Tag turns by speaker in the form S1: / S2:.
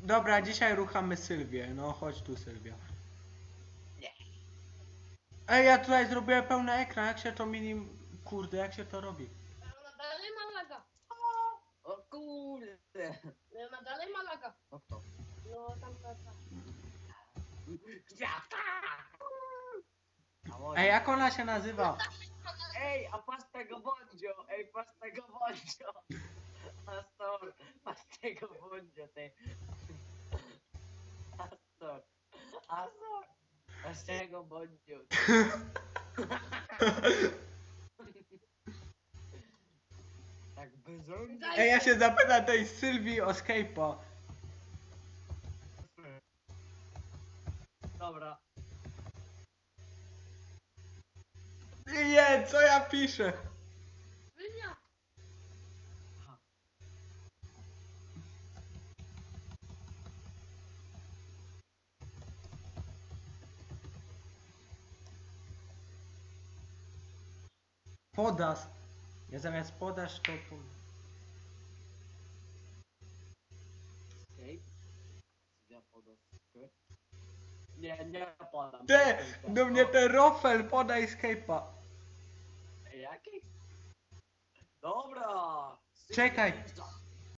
S1: Dobra, dzisiaj ruchamy Sylwię. No chodź tu, Sylwia.
S2: Nie.
S1: Ej, ja tutaj zrobiłem pełny ekran. Jak się to Kurde, jak się to robi?
S3: Ona dalej ma laga.
S2: O kurde.
S3: Ona dalej ma laga.
S2: No kto?
S3: No tam ta.
S2: Gwiazdka!
S1: Ej, jak ona się nazywa?
S2: Ej, a patrz tego Bondzio! Ej, patrz tego Bondzio! Astor, patrz tego Bondzio, ty! Astor! Astor! Patrz tego Bondzio! Tak bezumnie!
S1: Ej, ja się zapytam tej Sylwii o Skype'a.
S2: Dobra.
S1: Nie, co ja piszę?
S3: Sylwia.
S1: Podasz. Ja zamiast podasz to...
S2: Escape? Ja podam. Nie podam.
S1: Ty, do mnie ten rofel, podaj Skype'a.
S2: Jaki? Dobra!
S1: Czekaj.
S2: Sylwia,